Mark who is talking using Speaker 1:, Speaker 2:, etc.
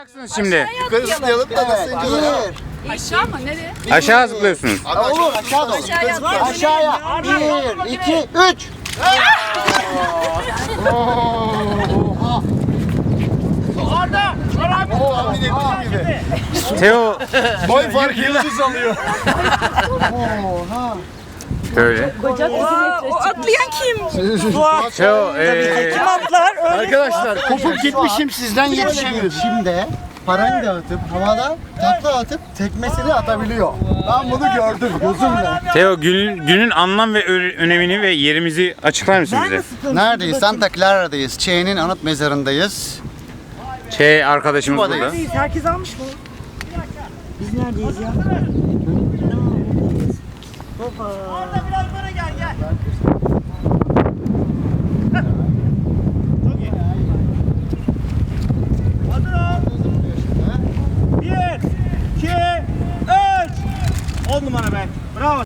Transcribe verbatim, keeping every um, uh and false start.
Speaker 1: Şimdi
Speaker 2: Yukarı zıplayalım da nasıl ineceğiz?
Speaker 3: Aşağı mı? Nereye?
Speaker 1: aşağı zıplıyorsunuz.
Speaker 2: Olur aşağı doğru.
Speaker 3: Aşağıya.
Speaker 2: Aşağıya. Bir, iki, üç.
Speaker 4: Orada!
Speaker 2: Tahmin ettiğim gibi.
Speaker 1: Teo
Speaker 2: Boy farkı yıldız alıyor.
Speaker 1: böyle.
Speaker 3: O atlayan kim?
Speaker 1: Teo eee
Speaker 2: Arkadaşlar kopup gitmişim sizden yetişemiyorum. Şimdi parayı dağıtıp havada takla atıp tekmesini atabiliyor. Ben bunu gördüm gözümle.
Speaker 1: Teo günün, günün anlam ve ö- önemini ve yerimizi açıklar mısın bize?
Speaker 2: Neredeyiz? Santa Clara'dayız. Che'nin anıt mezarındayız.
Speaker 1: Şey arkadaşımız burada.
Speaker 2: Buradayız.
Speaker 5: Herkes almış mı? Biz neredeyiz ya? Baba.
Speaker 4: Orada biraz böyle gel gel. Çok iyi. Hazır ol. Bir, iki, üç. On numara be. Bravo.